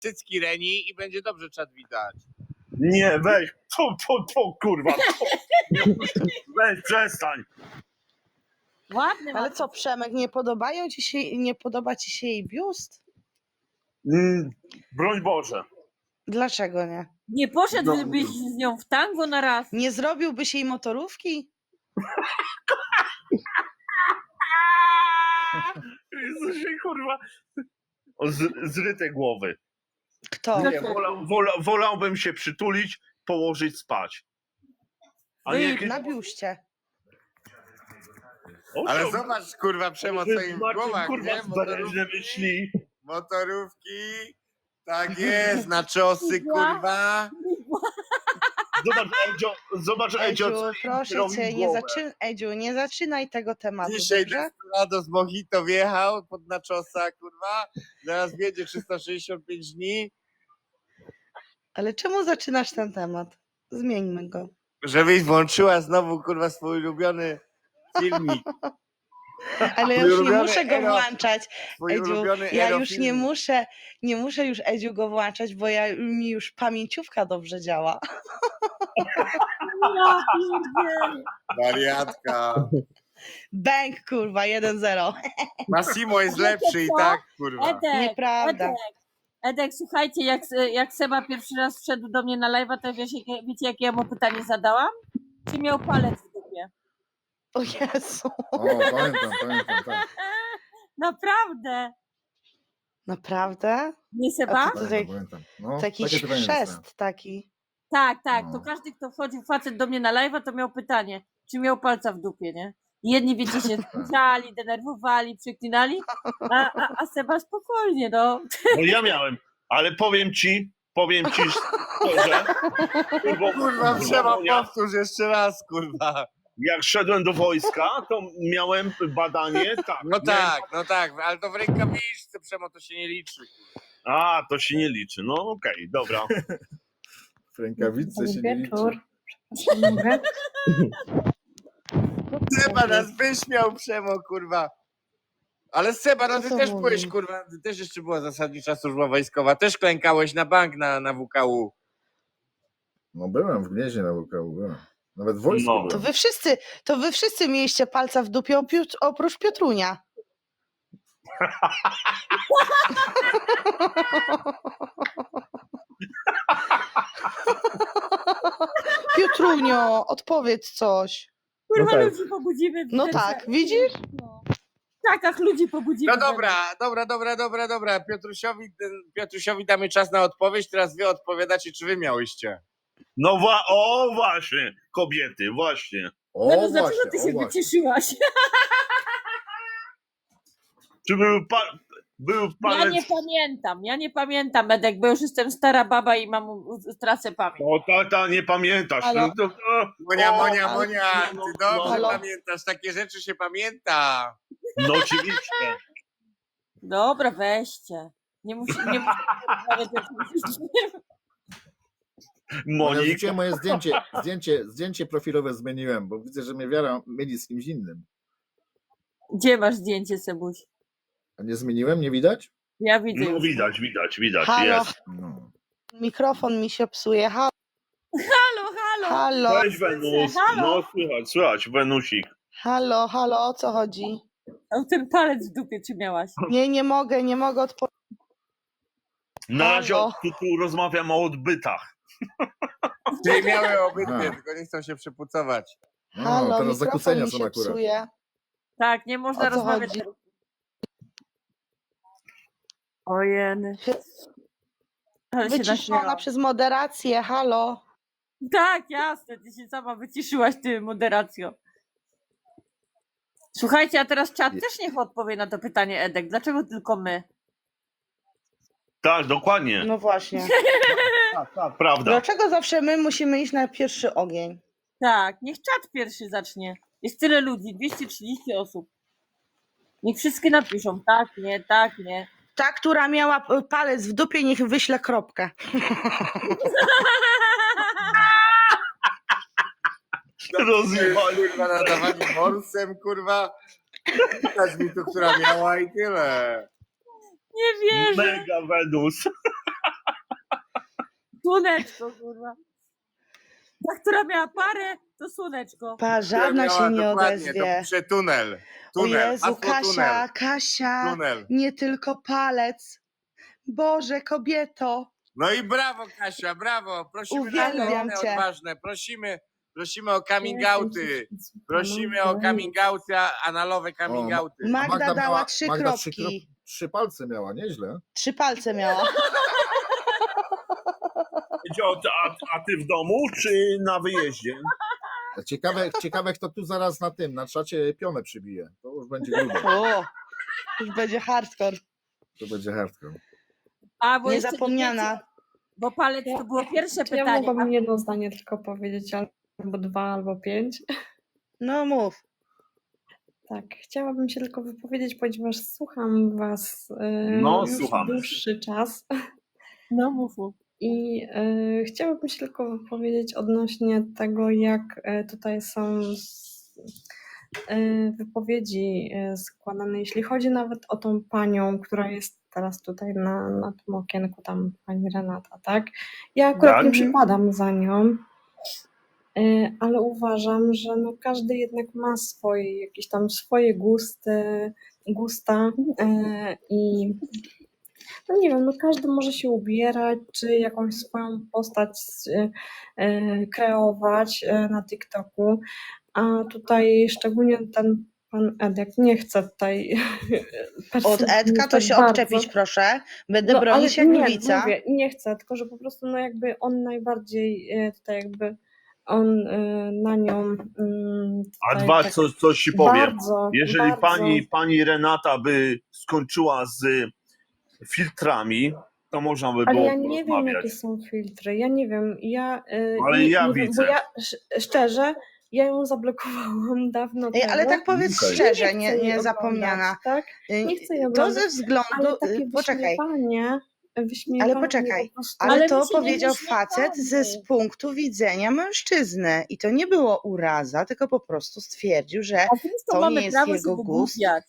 cycki Reni i będzie dobrze czat widać. Nie, weź, kurwa, weź, przestań. Ładny Ale co, Przemek, nie podoba ci się jej biust? Broń Boże. Dlaczego nie? Nie poszedłbyś z nią w tango na raz? Nie zrobiłbyś jej motorówki? Jezusie, kurwa. Zryte głowy. Kto? Nie, wolałbym się przytulić, położyć spać. A nie jakieś... Na biuście. Ale zobacz, kurwa, Przemo, co im w głowach, kurwa, nie? zbereźne myśli. Motorówki, tak jest, na czosy, kurwa. Zobacz, Edziu, co proszę robi cię, głowę. Edziu, nie zaczynaj tego tematu, Dzisiaj dobrze? Desperado z Mojito wjechał pod naczosa, kurwa. Zaraz wiedzie 365 dni. Ale czemu zaczynasz ten temat? Zmieńmy go. Żebyś włączyła znowu, kurwa, swój ulubiony filmik. Ale ja Twój już nie ulubiony muszę go włączać. Twój Edziu, ulubiony ja już erofilmik. nie muszę już Edziu go włączać, bo mi już pamięciówka dobrze działa. Ja pierdzielę. Wariatka. Bęk, kurwa, 1-0. Massimo jest lepszy i tak, kurwa. Edek, Nieprawda. Edek, słuchajcie, jak Seba pierwszy raz wszedł do mnie na live'a, to wiecie, jakie ja mu pytanie zadałam? Czy miał palec w dupie? O Jezu. O, pamiętam, tak. Naprawdę. Naprawdę? Nie Seba? Pamiętam. No, Taki takie pytanie chrzest dostałem. taki. Tak. No. To każdy, kto wchodził facet do mnie na live'a, to miał pytanie, czy miał palca w dupie, nie? I jedni, wiecie, się zbliżali, denerwowali, przeklinali, a Seba spokojnie, no. No ja miałem, ale powiem ci szczerze, Kurwa, trzeba powtórz jeszcze raz, kurwa. jak szedłem do wojska, to miałem badanie, tak. No tak, ale to w rękawiczce, Przemo, to się nie liczy. A, to się nie liczy. No okej, dobra. W rękawiczce się nie liczy. Seba nas wyśmiał, Przemo, kurwa. Ale Seba, no ty Co też mówi? byłeś, kurwa, ty też jeszcze była zasadnicza służba wojskowa, też klękałeś na bank na WKU. No byłem w Gnieźnie na WKU, byłem. Nawet w wojsku No. byłem. To wy wszyscy mieliście palca w dupie oprócz Piotrunia. Piotrunio, odpowiedz coś. Kurwa, No tak. ludzi pobudzimy. No tak, widzisz? No. Tak, ludzi pobudzimy. No dobra. Piotrusiowi damy czas na odpowiedź, teraz wy odpowiadacie, czy wy miałyście. No właśnie, kobiety, właśnie. O, No dlaczego właśnie, ty o się właśnie. wycieszyłaś? Czy był palec... Ja nie pamiętam, Edek, bo już jestem stara baba i tracę pamięć. O, tata, nie pamiętasz. Halo? No, to, Monia, ty dobrze Halo? pamiętasz, takie rzeczy się pamięta. no oczywiście. Dobra, weźcie. Nie musi rozmawiać o czymś innym. Ja Monika. wrzuciłem moje zdjęcie profilowe zmieniłem, bo widzę, że mnie wiara myli z kimś innym. Gdzie masz zdjęcie, Sebuś? A nie zmieniłem? Nie widać? Ja widzę No już. widać, Halo, jest. No. mikrofon mi się psuje. Halo. Halo, Cześć Wenus. Halo. No słychać, Wenusik. halo, o co chodzi? A ten palec w dupie czy miałaś? Nie mogę odpowiedzieć. Na razie Halo. tu rozmawiam o odbytach. Czyli miały obydwie, Aha. tylko nie chcą się przepucować. No, Halo, teraz mikrofon zakłócenia mi są się akurat. psuje. Tak, nie można O co rozmawiać. chodzi? Ojeny. Ale się Wyciszona naśmiałam. przez moderację, halo. Tak, jasne, ty się sama wyciszyłaś, ty moderacjo. Słuchajcie, a teraz czat też niech odpowie na to pytanie, Edek. Dlaczego tylko my? Tak, dokładnie. No właśnie. Tak, prawda. Dlaczego zawsze my musimy iść na pierwszy ogień? Tak, niech czat pierwszy zacznie. Jest tyle ludzi, 230 osób. Niech wszystkie napiszą tak, nie, tak, nie. Ta, która miała palec w dupie, niech wyśle kropkę. Rozjebali. Kurwa, nadawanie morsem, kurwa. Widać mi tu, która miała i tyle. Nie wierzę. Mega Wenus. Słoneczko, kurwa. Ta, która miała parę, to słoneczko. Żadna Miała się nie dokładnie, To odezwie. pisze tunel. O Tunel. Jezu, Hasło tunel. Kasia, Tunel. nie tylko palec. Boże, kobieto. No i brawo, Kasia, brawo. Prosimy Uwielbiam na cię. odważne. Prosimy o coming outy. Prosimy o coming outy, analowe coming O, outy. Magda dała 3 Magda kropki. 3 palce miała, nieźle. 3 palce miała. A ty w domu, czy na wyjeździe? Ciekawe, kto tu zaraz na czacie pionę przybije. To już będzie grubo. O, już będzie hardcore. To będzie hardcore. A, bo jeszcze nie Niezapomniana. wiecie, bo palec to było pierwsze Czy ja pytanie. mogłabym jedno zdanie tylko powiedzieć, albo 2, albo 5? No mów. Tak, chciałabym się tylko wypowiedzieć, ponieważ słucham was No, już słuchamy. dłuższy czas No mów. i chciałabym się tylko wypowiedzieć odnośnie tego, jak tutaj są wypowiedzi składane, jeśli chodzi nawet o tą panią, która jest teraz tutaj na tym okienku, tam pani Renata, tak? Ja akurat Tak. nie przypadam za nią, ale uważam, że no każdy jednak ma swoje, jakieś tam swoje gusta i no nie wiem, no każdy może się ubierać, czy jakąś swoją postać kreować na TikToku, a tutaj szczególnie ten pan Edek nie chce tutaj Od Edka to tak się bardzo. odczepić, proszę. Będę Ale bronić jak nie, lwica. mówię, nie chcę, tylko że po prostu no jakby on najbardziej tutaj jakby on na nią A tutaj dwa, tak coś ci powiem. bardzo, Jeżeli bardzo, pani Renata by skończyła z filtrami, to można by ale było ja nie wiem porozmawiać. jakie są filtry, ja nie wiem, Ale nie ja wiem, widzę. bo ja szczerze, ja ją zablokowałam dawno Ej, temu. ale tak powiedz Okej. szczerze, chcę jej niezapomniana. oglądać, tak? Nie chcę jej To oglądać, ze względu... ale takie Poczekaj. wyśmiewanie Ale poczekaj, po prostu, ale Ale to my się nie powiedział facet wyśmiewamy. z punktu widzenia mężczyzny. I to nie było uraza, tylko po prostu stwierdził, że A więc to to mamy nie jest prawo jego się gust. wygłupiać.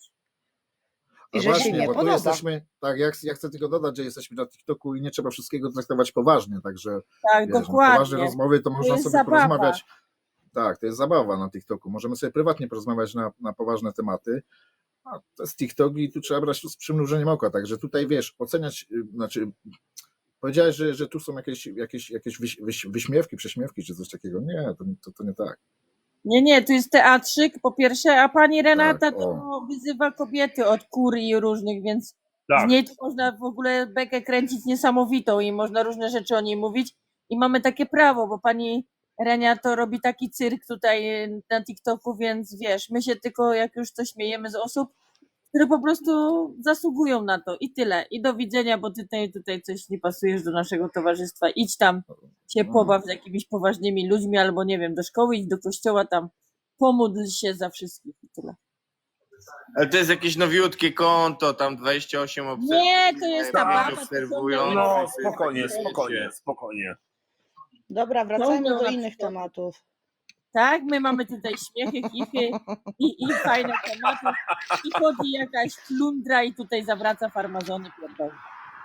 I A że się właśnie, nie bo tu podoba. jesteśmy, tak, ja chcę tylko dodać, że jesteśmy na TikToku i nie trzeba wszystkiego traktować poważnie, także Tak, wiesz, no, dokładnie. poważne rozmowy to można jest sobie zabawa. porozmawiać. Tak, to jest zabawa na TikToku. Możemy sobie prywatnie porozmawiać na poważne tematy. A to jest TikTok i tu trzeba brać to z przymrużeniem oka. Także tutaj wiesz, oceniać, znaczy powiedziałeś, że tu są jakieś wyśmiewki, prześmiewki czy coś takiego. Nie, to nie tak. Nie, tu jest teatrzyk po pierwsze, a pani Renata Tak, to wyzywa kobiety od kurii różnych, więc z Tak. niej to można w ogóle bekę kręcić niesamowitą i można różne rzeczy o niej mówić i mamy takie prawo, bo pani Renia to robi taki cyrk tutaj na TikToku, więc wiesz, my się tylko jak już to śmiejemy z osób, które po prostu zasługują na to i tyle. I do widzenia, bo ty tutaj coś nie pasujesz do naszego towarzystwa. Idź tam się pobaw z jakimiś poważnymi ludźmi albo nie wiem, do szkoły, idź do kościoła tam, pomódl się za wszystkich i tyle. Ale to jest jakieś nowiutkie konto, tam 28 obserwujących. Nie, to jest ta baba, to obserwujących. No, ciągle- spokojnie. Dobra, wracajmy Ciągnął do na innych przykład. tematów. Tak, my mamy tutaj śmiechy, kify i fajne tematy. I chodzi jakaś flundra i tutaj zawraca farmazony pierdolę.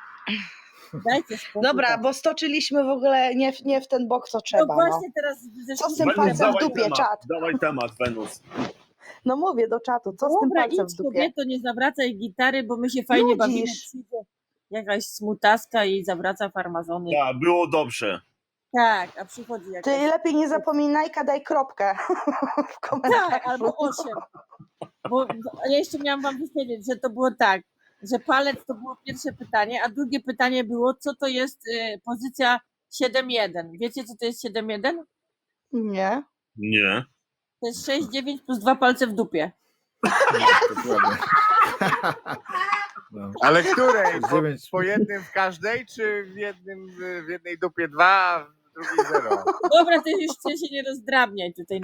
Dajcie spokój. Dobra, tam. bo stoczyliśmy w ogóle nie w ten bok, co No trzeba. No, właśnie teraz Co z tym Wenus, palcem w dawaj dupie, temat, czat? dawaj temat, Wenus. No mówię do czatu, co z tym Dobra, palcem idź w dupie? kobieto, nie zawracaj gitary, bo my się fajnie bawimy. Nudzisz. Przyjdzie jakaś smutaska i zawraca farmazony. Tak, było dobrze. Tak, a przychodzi Ty jakaś... lepiej nie zapominaj, daj kropkę w komentarzu. Tak, albo 8. Bo ja jeszcze miałam wam powiedzieć, że to było tak, że palec to było pierwsze pytanie, a drugie pytanie było, co to jest pozycja 7-1. Wiecie, co to jest 7-1? Nie. Nie. To jest 6-9 plus 2 palce w dupie. Dokładnie. No. Ale której? Dziewięć. Po jednym w każdej, czy w jednej dupie 2, a w drugiej 0? Dobra, ty już chcę się nie rozdrabniać tutaj.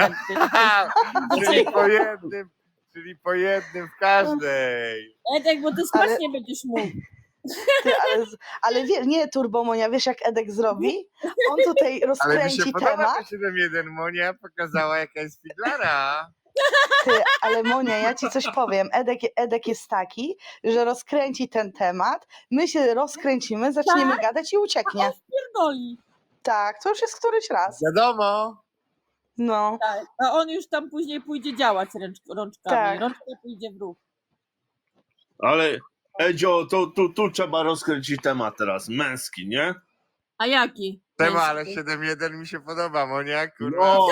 Czyli po jednym w każdej. Edek, bo ty spać nie będziesz mógł. Ty, ale nie, Turbomonia, wiesz jak Edek zrobi? On tutaj Ale mi się rozkręci podoba temat. to 7-1. Monia pokazała, jaka jest figlara. Ty, ale Monia, ja ci coś powiem. Edek jest taki, że rozkręci ten temat, my się rozkręcimy, zaczniemy gadać i ucieknie. Pierdoli. Tak, to już jest któryś raz. Wiadomo. No, Tak. A on już tam później pójdzie działać rączkami. Tak. Rączka pójdzie w ruch. Ale Edzio, tu trzeba rozkręcić temat teraz, męski, nie? A jaki? Tema, ale Męski? 7-1 mi się podoba, Monia, kurwa. No.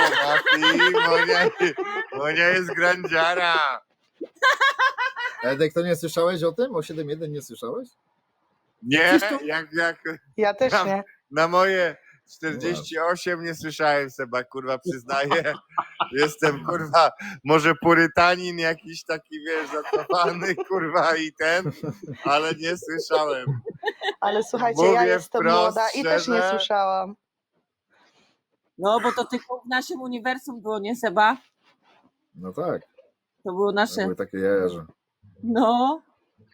Monia jest grandziara. Edek, to nie słyszałeś o tym? O 7-1 nie słyszałeś? Nie, jak ja też nie. na moje 48 nie słyszałem, Seba, kurwa, przyznaję. Jestem, kurwa, może purytanin jakiś taki, wiesz, zacofany, kurwa, i ten, ale nie słyszałem. Ale słuchajcie, Mówię ja jestem wprost, młoda i też nie szczerze. słyszałam. No, bo to tylko w naszym uniwersum było, nie Seba? No tak, To było to nasze. były takie jajerze. No.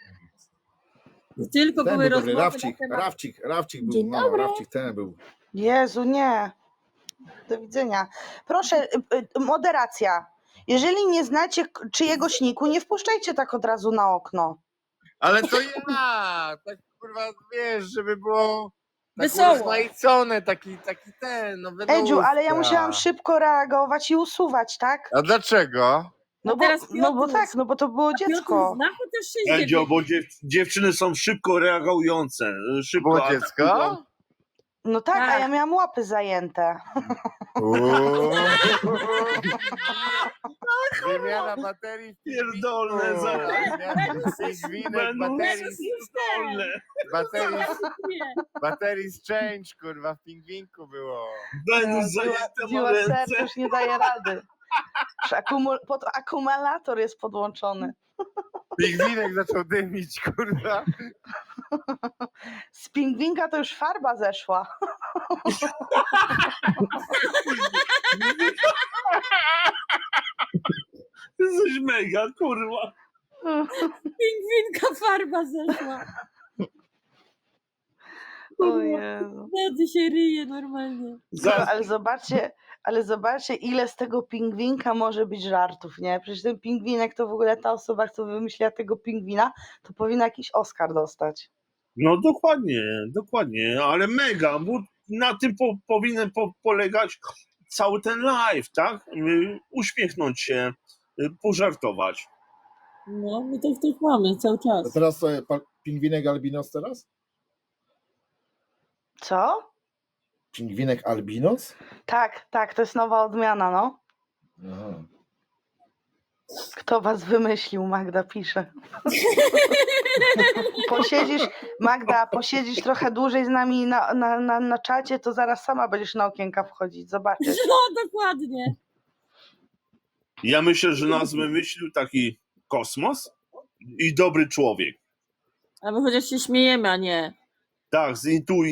I tylko Ten były był dobry, rozmowy na temat... Rawcik był, Dzień no, dobry. Rawcik ten był. Jezu, nie. Do widzenia. Proszę, moderacja. Jeżeli nie znacie czyjegoś niku, nie wpuszczajcie tak od razu na okno. Ale to ja, tak, kurwa, wiesz, żeby było tak Wesoło. urozmaicone, taki ten, no Edziu, ale ja wydówka. musiałam szybko reagować i usuwać, tak? A dlaczego? No bo, teraz no bo Piotruś. tak, no bo to było Piotr dziecko. zna chociaż Edzio, 6-9. bo dziewczyny są szybko reagujące. Szybko Było dziecko? No tak, a Tak. ja miałam łapy zajęte. Uuu. Wymiana baterii w Pierdolne pingwinku. za- Pingwinek, Będą baterii, pierdolne. baterii z change, kurwa, w pingwinku było. Będą zajęte ma Dziła ręce. serce już nie daje rady. Już pod akumulator jest podłączony. Pingwinek zaczął dymić, kurwa. Z pingwinka to już farba zeszła. Jesteś mega, kurwa. Pingwinka farba zeszła. O Jezu. Wtedy się ryje normalnie. Ale zobaczcie, ile z tego pingwinka może być żartów, nie? Przecież ten pingwinek to w ogóle ta osoba, co wymyśliła tego pingwina, to powinna jakiś Oscar dostać. No dokładnie, ale mega, bo na tym powinien polegać cały ten live, tak? Uśmiechnąć się, pożartować. No, my to też mamy cały A czas. teraz pingwinek albinos teraz? Co? Pingwinek albinos? Tak, to jest nowa odmiana, no. Aha. Kto was wymyślił, Magda pisze. Posiedzisz trochę dłużej z nami na czacie, to zaraz sama będziesz na okienka wchodzić, zobaczysz. No, dokładnie. Ja myślę, że nas wymyślił taki kosmos i dobry człowiek. A my chociaż się śmiejemy, a nie. Tak, z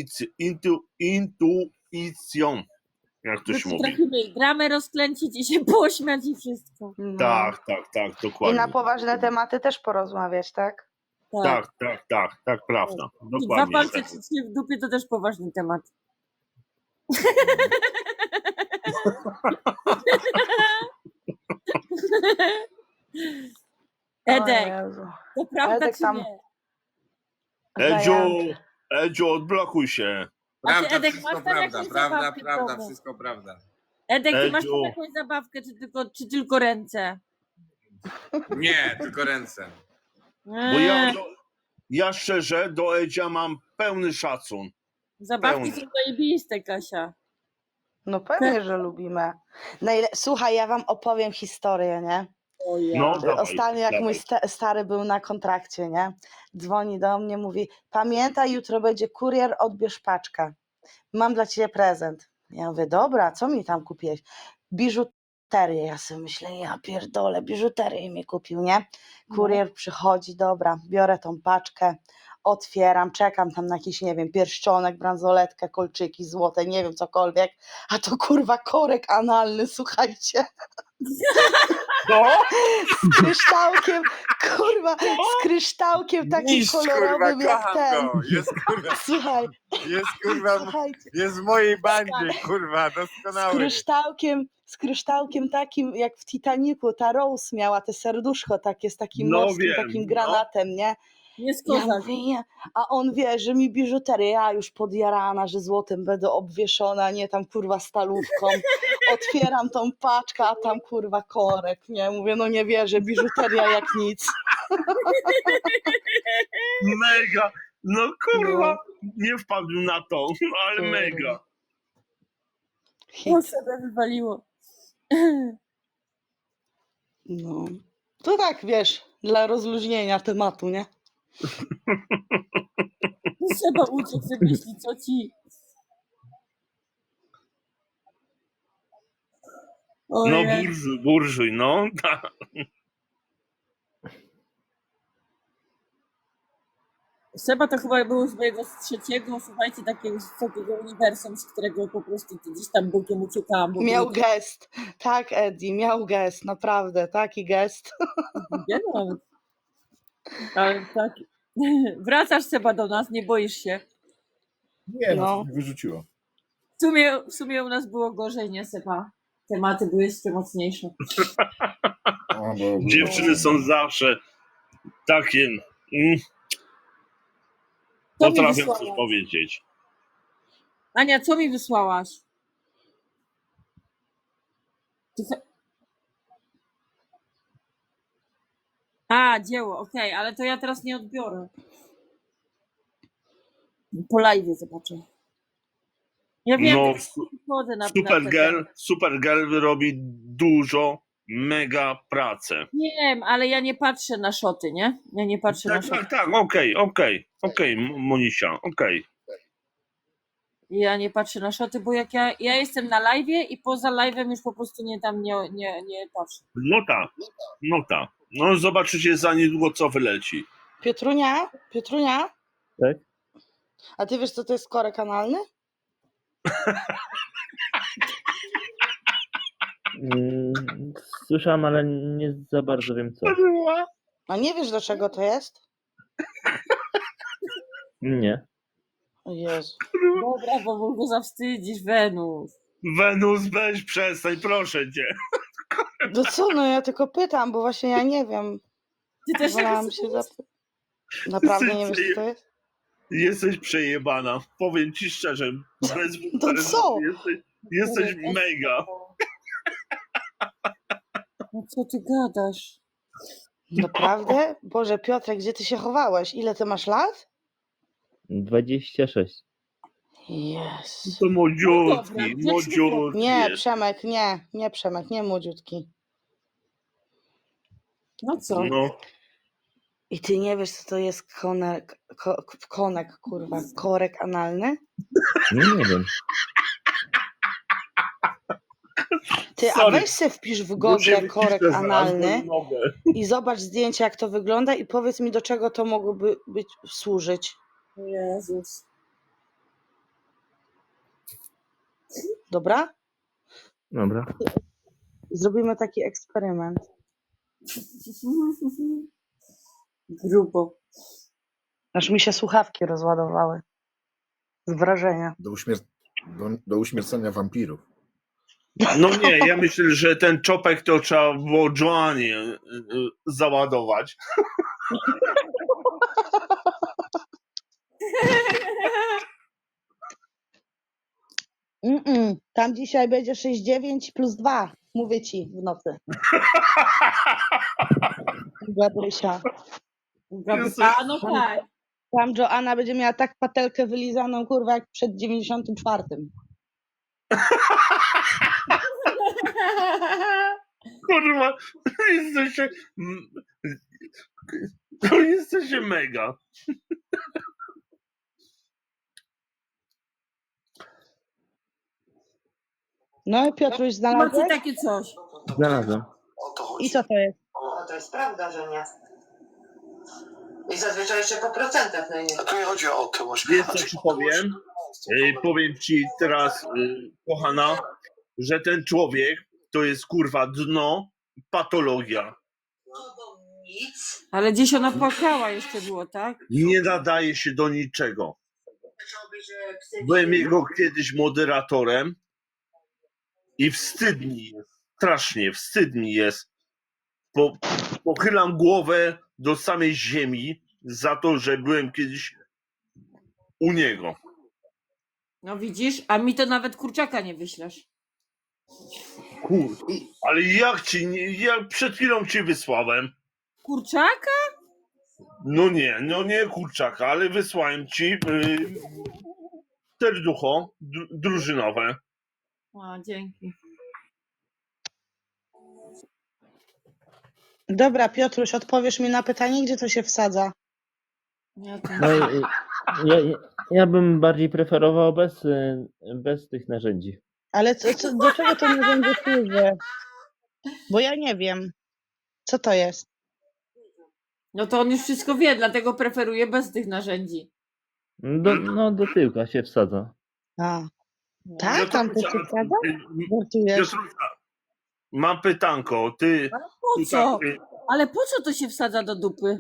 intuicją, jak to się mówi. Potrafimy dramę rozklęcić i się pośmiać i wszystko. No. Tak, I dokładnie. na poważne tematy też porozmawiać, tak? Tak, prawda. I dwa Dokładnie. palce trzymać w dupie to też poważny temat. Edek, O Jezu. to prawda Edek czy tam- nie? Edziu, odblokuj się. A ty, Prawda, Edek, wszystko masz tam prawda, jakąś prawda, zabawkę w prawda, domu? wszystko prawda. Edek, ty masz Edziu. tam jakąś zabawkę, czy tylko ręce? Nie, tylko ręce. Bo Eee, ja szczerze do Edzia mam pełny szacun. zabawki pełny. są zajebiste, Kasia. No pewnie, że lubimy. Słuchaj, ja wam opowiem historię, nie? O ja. No, dawaj, Ostatnio jak dawaj. mój stary był na kontrakcie, nie? Dzwoni do mnie, mówi: pamiętaj, jutro będzie kurier, odbierz paczkę. Mam dla ciebie prezent. Ja mówię: dobra, co mi tam kupiłeś? Biżuterię. Ja sobie myślę: ja pierdolę, biżuterię mi kupił, nie? Kurier przychodzi, dobra, biorę tą paczkę, otwieram, czekam tam na jakiś, nie wiem, pierścionek, bransoletkę, kolczyki złote, nie wiem, cokolwiek, a to kurwa korek analny, słuchajcie. No, Z kryształkiem, kurwa, z kryształkiem takim Mistrz, kolorowym kurwa, jak kocham ten. go. Jest, kurwa, Słuchaj, słuchajcie, jest w mojej bandzie, kurwa, z doskonały. kryształkiem takim jak w Titanicu, ta Rose miała te serduszko takie z takim No morskim, wiem, takim no. granatem, nie? Jest Ja kozak. mówię, nie. A on wie, że mi biżuterię, ja już podjarana, że złotem będę obwieszona, nie tam kurwa stalówką. Otwieram tą paczkę, a tam kurwa korek, nie? Mówię, no nie wierzę, biżuteria jak nic. Mega! No kurwa, No. nie wpadłem na to, ale Kurwa. mega. O, Hit. sobie wywaliło. No. To tak, wiesz, dla rozluźnienia tematu, nie? Trzeba uciec, wymyślić co ci. No Ojej. burżuj, no. tak. Seba to chyba był z mojego trzeciego, słuchajcie, takiego uniwersum, z którego po prostu gdzieś tam bokiem uciekałam. Bo Miał było gest. Tak, Eddie, miał gest, naprawdę, taki gest. nie nawet. Ale tak. Wracasz Seba do nas, nie boisz się. Nie, no, No. to mnie wyrzuciło. W sumie u nas było gorzej, nie Seba? Tematy były jeszcze mocniejsze. O, bo, Dziewczyny są zawsze takie. Co mi Potrafią coś wysłałaś? powiedzieć. Ania, co mi wysłałaś? A, dzieło, okej, ale to ja teraz nie odbiorę. Po live zobaczę. Ja wiem, No, chodzę na Supergirl robi dużo, mega pracę. Wiem, ale ja nie patrzę na szoty, nie? Ja nie patrzę na szoty. Tak, okej, Monisia, okej. Ja nie patrzę na szoty, bo jak ja jestem na live'ie i poza live'em już po prostu nie patrzę. No tak. No zobaczycie za niedługo, co wyleci. Piotrunia? Tak? A ty wiesz, co to jest korek analny? Słyszałem, ale nie za bardzo wiem co. A nie wiesz, do czego to jest? Nie. O Jezu. Dobra, bo go zawstydzisz, Wenus. Wenus, weź przestań, proszę cię. No co, no ja tylko pytam, bo właśnie ja nie wiem. Ty też Wolałam się zapytać. Naprawdę nie wiesz, co to jest? Jesteś przejebana. Powiem ci szczerze. Bez To co? Jesteś mega. No co ty gadasz? Naprawdę? Boże, Piotrek, gdzie ty się chowałeś? Ile ty masz lat? 26. Jest. To No młodziutki, dobra, młodziutki. Nie, jest. Przemek, nie Przemek, nie młodziutki. No co? No, I ty nie wiesz, co to jest konek, kurwa, korek analny? Nie wiem. Ty, a Sorry. weź se wpisz w muszę Google korek wycisnąć analny zaraz, bo nie mogę. i zobacz zdjęcie, jak to wygląda i powiedz mi, do czego to mogłoby służyć. Jezus. Dobra? Dobra. Zrobimy taki eksperyment. Grubo. Aż mi się słuchawki rozładowały. Z wrażenia. Do uśmiercenia wampirów. No nie, ja myślę, że ten czopek to trzeba było Joannie załadować. Tam dzisiaj będzie 6,9 plus 2. Mówię ci w nocy. Gabrysia. A no tak. Tam Joanna będzie miała tak patelkę wylizaną, kurwa, jak przed 94. Kurwa, jesteście... To jesteście mega. No i Piotruś Macie znalazłeś? takie coś. Znalazłem. I co to jest? No to jest prawda, że nie. I zazwyczaj jeszcze po procentach najmniej. A tu nie chodzi o otyłość. Wiesz co ci powiem? Powiem ci teraz, kochana, że ten człowiek to jest kurwa dno, patologia. No bo nic. Ale gdzieś ona płakała jeszcze było, tak? Nie nadaje się do niczego. Chciałby, że psy Byłem jego kiedyś moderatorem i wstyd mi jest, strasznie wstyd mi jest. Pochylam głowę do samej ziemi, za to, że byłem kiedyś u niego. No widzisz, a mi to nawet kurczaka nie wyślesz. Ale jak ci, ja przed chwilą ci wysłałem. Kurczaka? No nie kurczaka, ale wysłałem ci serducho drużynowe. O, dzięki. Dobra, Piotruś, odpowiesz mi na pytanie, gdzie to się wsadza? Ja to... No, ja bym bardziej preferował bez tych narzędzi. Ale do czego to narzędzie służy? Bo ja nie wiem. Co to jest? No to on już wszystko wie, dlatego preferuje bez tych narzędzi. Do tyłka się wsadza. A, No. tak? Tam to się wsadza? Żartujesz? Piotrusia, mam pytanko. Ty Ale po tu co? tak, Ale po co to się wsadza do dupy?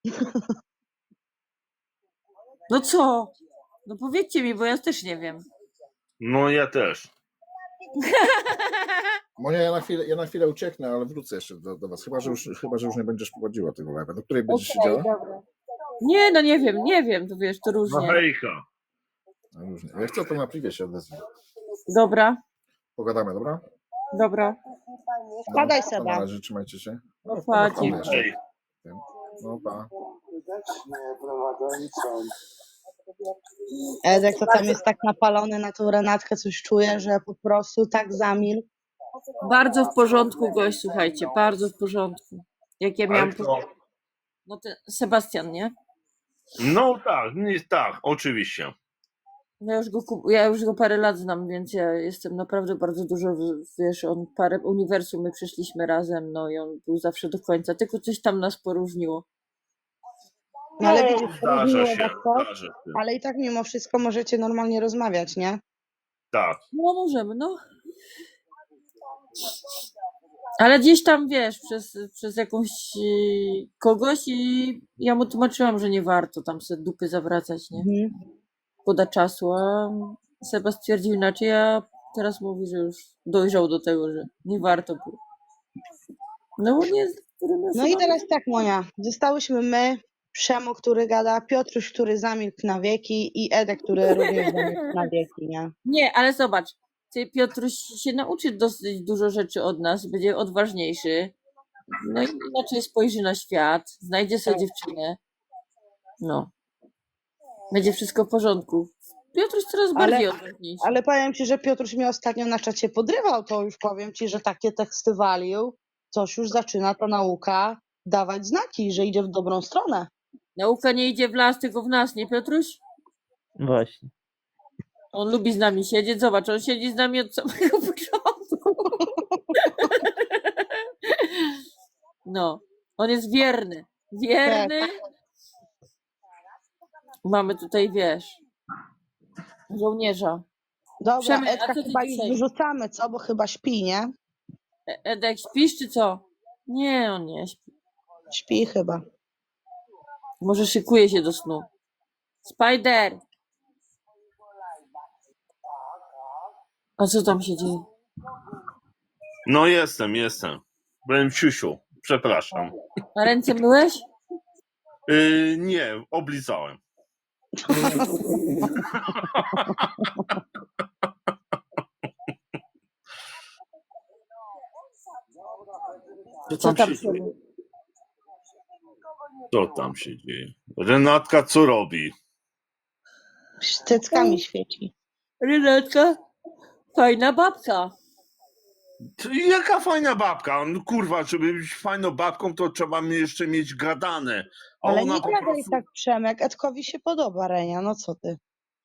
No co? No powiedzcie mi, bo ja też nie wiem. no ja też. Monia, ja na chwilę ucieknę, ale wrócę jeszcze do was. Chyba, że już nie będziesz prowadziła tego live'a. Do której będziesz siedziała? Dobra. Nie, no nie wiem, to wiesz, to No różnie. hejka. No, różnie. Jak chcę, to na privie się odezwę. Dobra, Pogadamy, dobra? dobra. Spadaj, To Seba. na razie, trzymajcie się. No, pa, wpadnę jeszcze. Hej. No pa. Edek to tam jest tak napalony na tą Renatkę, coś czuje, że po prostu tak zamilkł. Bardzo w porządku gość, słuchajcie, bardzo w porządku. Jak ja miałam... Ale to, No to Sebastian, nie? no tak, tak, oczywiście. Ja już go parę lat znam, więc ja jestem naprawdę bardzo dużo, wiesz, on parę uniwersum my przeszliśmy razem, no i on był zawsze do końca, tylko coś tam nas poróżniło. No ale widzisz, Zdarza różniło się, was to, zdarza się. ale i tak mimo wszystko możecie normalnie rozmawiać, nie? Tak. No możemy, no. Ale gdzieś tam, wiesz, przez jakąś kogoś i ja mu tłumaczyłam, że nie warto tam sobie dupy zawracać, nie? Mhm. Szkoda czasu, a Seba stwierdził inaczej, a teraz mówi, że już dojrzał do tego, że nie warto było. No bo nie... No i teraz tak, Monia, zostałyśmy my, Przemo, który gada, Piotruś, który zamilkł na wieki i Edek, który również zamilkł na wieki, nie? Nie, ale zobacz, ty Piotruś się nauczy dosyć dużo rzeczy od nas, będzie odważniejszy, no i inaczej spojrzy na świat, znajdzie sobie dziewczynę, no. Będzie wszystko w porządku. Piotruś coraz bardziej odważniejszy. Ale powiem ci, że Piotruś mnie ostatnio na czacie podrywał, to już powiem ci, że takie teksty walił, coś już zaczyna ta nauka dawać znaki, że idzie w dobrą stronę. Nauka nie idzie w las, tylko w nas, nie Piotruś? Właśnie. On lubi z nami siedzieć, zobacz, on siedzi z nami od samego początku. No, on jest wierny. Wierny. Mamy tutaj, wiesz, żołnierza. Dobra, Przemek, a Edka co ty chyba już dzisiaj? wyrzucamy, co? Bo chyba śpi, nie? Edek, śpisz czy co? Nie, on nie śpi. Śpi chyba. Może szykuje się do snu. Spider! A co tam się dzieje? No jestem. Byłem w siusiu. Przepraszam. A ręce myłeś? Nie, oblizałem. Co tam się dzieje? Co tam się dzieje? Renatka co robi? Cyckami świeci. Rynetka, fajna babka. Jaka fajna babka? No, kurwa, żeby być fajną babką, to trzeba jeszcze mieć gadane. A Ale ona nie po gadaj prostu... tak, Przemek. Edkowi się podoba, Renia, no co ty?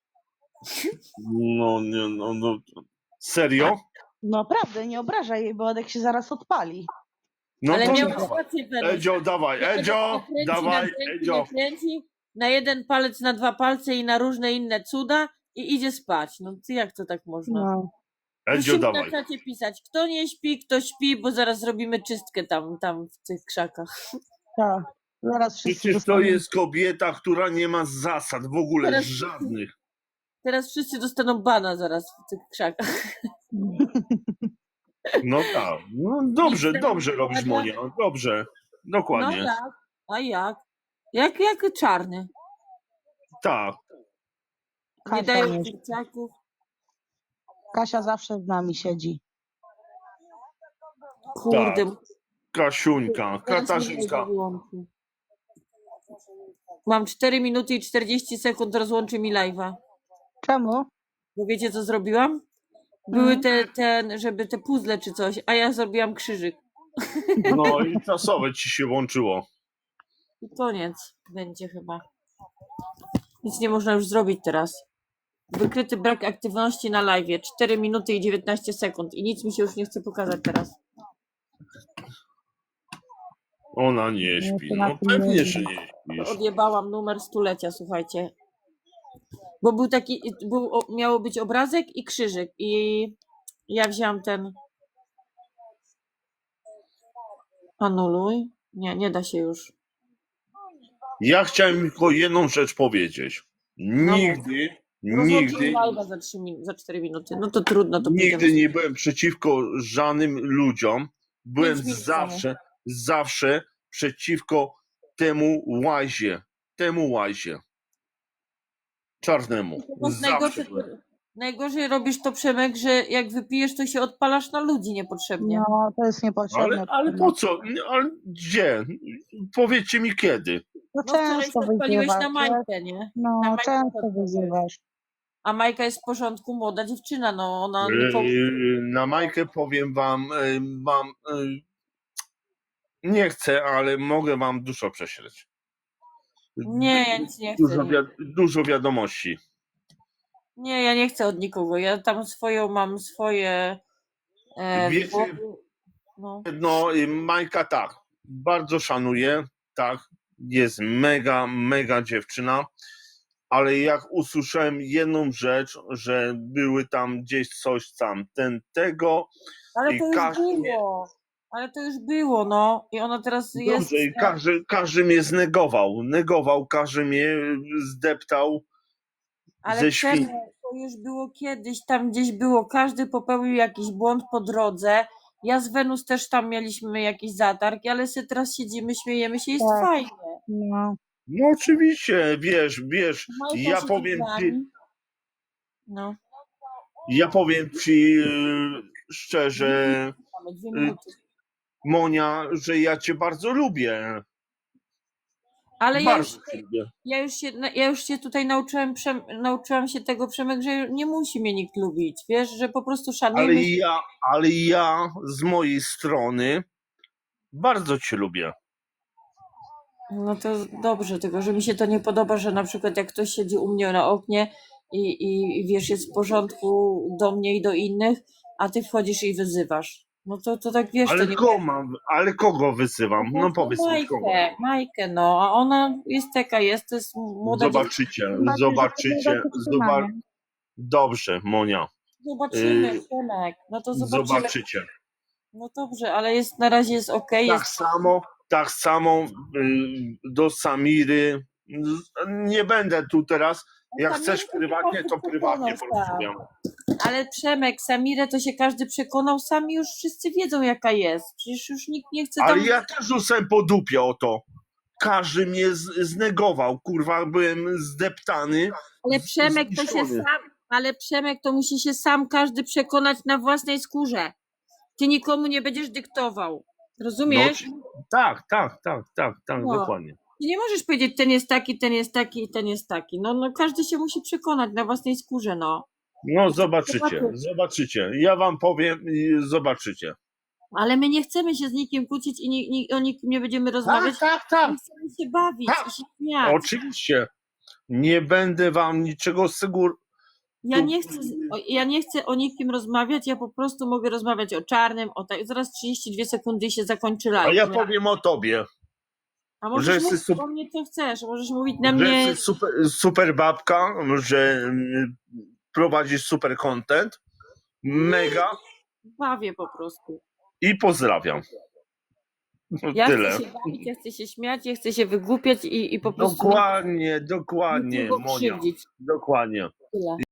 No. Serio? No prawda, nie obrażaj jej, bo Edek się zaraz odpali. No Ale to miałeś dawaj. rację, Weruś. Edzio, dawaj, Edzio, dawaj, Edzio. Nakręci, na jeden palec, na dwa palce i na różne inne cuda i idzie spać. No ty jak to tak można? No. Edzio, Musimy na dawaj. czacie pisać, kto nie śpi, kto śpi, bo zaraz zrobimy czystkę tam w tych krzakach. Tak. Zaraz wszyscy Przecież to dostaną. jest kobieta, która nie ma zasad w ogóle, Teraz- żadnych. Teraz wszyscy dostaną bana zaraz w tych krzakach. No tak. No dobrze robisz, Monia. Dobrze. No Dokładnie. jak? A jak? Jak czarny. Tak. Nie Kasia dają nie- dzieciaków. Kasia zawsze z nami siedzi. Kurde. Kasiuńka, teraz mi Katarzynka. live'a wyłączy. Mam 4 minuty i 40 sekund, rozłączy mi live'a. Czemu? Bo wiecie, co zrobiłam? Były żeby te puzzle czy coś, a ja zrobiłam krzyżyk. No i czasowe ci się włączyło. I koniec będzie chyba. Nic nie można już zrobić teraz. Wykryty brak aktywności na live. 4 minuty i 19 sekund. I nic mi się już nie chce pokazać teraz. Ona nie śpi. No pewnie, że nie śpisz. Odjebałam numer stulecia, słuchajcie. Bo był taki, miało być obrazek i krzyżyk. I ja wzięłam ten. Anuluj. Nie da się już. Ja chciałem tylko jedną rzecz powiedzieć. Nigdy, Rozłączyli live'a za 4 minuty. No to trudno. To nigdy pójdę. nie byłem przeciwko żadnym ludziom. Byłem 5 minut zawsze przeciwko temu łazie. Czarnemu. Zawsze byłem. Najgorzej robisz to, Przemek, że jak wypijesz, to się odpalasz na ludzi niepotrzebnie. No, to jest niepotrzebne. Ale po co? Ale gdzie? Powiedzcie mi kiedy. No No wczoraj często się odpaliłeś wyzywasz. na Majkę, nie? Na No, Majkę często odpaliłeś. wyzywasz. A Majka jest w porządku, młoda dziewczyna, no ona nikomu... Na Majkę powiem wam, nie chcę, ale mogę wam dużo prześleć. Nie, ja nic nie chcę. Dużo wiadomości. Nie, ja nie chcę od nikogo. Ja tam mam swoje... Wiecie, no. no, Majka tak, bardzo szanuję, tak, jest mega dziewczyna, ale jak usłyszałem jedną rzecz, że były tam gdzieś coś tam, tego Ale i to już każdy było. Ale to już było, no. I ona teraz jest... dobrze, i każdy mnie negował, każdy mnie zdeptał Ale ze Przemek, świn. to już było kiedyś, tam gdzieś było, każdy popełnił jakiś błąd po drodze. Ja z Wenus też tam mieliśmy jakiś zatarg, ale sobie teraz siedzimy, śmiejemy się, jest Tak. fajnie. No. No oczywiście, wiesz, Majka ja się powiem z ci, nami. No, szczerze, mamy 2 minuty. Monia, że ja cię bardzo lubię. Ale Bardzo cię lubię. ja już się tutaj nauczyłam się tego, Przemek, że nie musi mnie nikt lubić, wiesz, że po prostu szanujmy się. Ale ja z mojej strony bardzo cię lubię. No to dobrze, tylko że mi się to nie podoba, że na przykład jak ktoś siedzi u mnie na oknie i wiesz, jest w porządku do mnie i do innych, a ty wchodzisz i wyzywasz. No to tak wiesz, Ale to nie... ale kogo wysyłam? No powiedz mi kogo. Majkę, no, a ona jest taka jest, to jest młoda dziewczyna. Zobaczycie. Dobrze, Monia. Zobaczymy, Przemek, no to Zobaczycie. No dobrze, ale na razie jest okej. Tak samo do Samiry. Nie będę tu teraz. Jak chcesz prywatnie, to prywatnie porozmawiam. Ale Przemek, Samirę to się każdy przekonał, sami już wszyscy wiedzą jaka jest. Przecież już nikt nie chce tam... Ale ja też rzucałem po dupie o to. Każdy mnie znegował, kurwa, byłem zdeptany. Ale Przemek to się zniszczony. ale Przemek to musi się sam każdy przekonać na własnej skórze. Ty nikomu nie będziesz dyktował. Rozumiesz? Tak, No. dokładnie. Ty nie możesz powiedzieć, ten jest taki, ten jest taki i ten jest taki. No każdy się musi przekonać na własnej skórze, no. No zobaczycie. Ja wam powiem i zobaczycie. Ale my nie chcemy się z nikim kłócić i o nikim nie będziemy rozmawiać. Tak. My chcemy się bawić i się śmiać. Oczywiście. Nie będę wam niczego Ja nie chcę o nikim rozmawiać, ja po prostu mogę rozmawiać o czarnym, zaraz 32 sekundy i się zakończy live. A ja powiem o tobie. A możesz mówić o mnie co chcesz, możesz mówić na mnie... Że jesteś super babka, że prowadzisz super content. Mega. Bawię po prostu. I pozdrawiam. Ja Tyle. chcę się bawić, ja chcę się śmiać, ja chcę się wygłupiać i po prostu... Dokładnie, nikogo Monia. krzywdzić. Dokładnie. Tyle.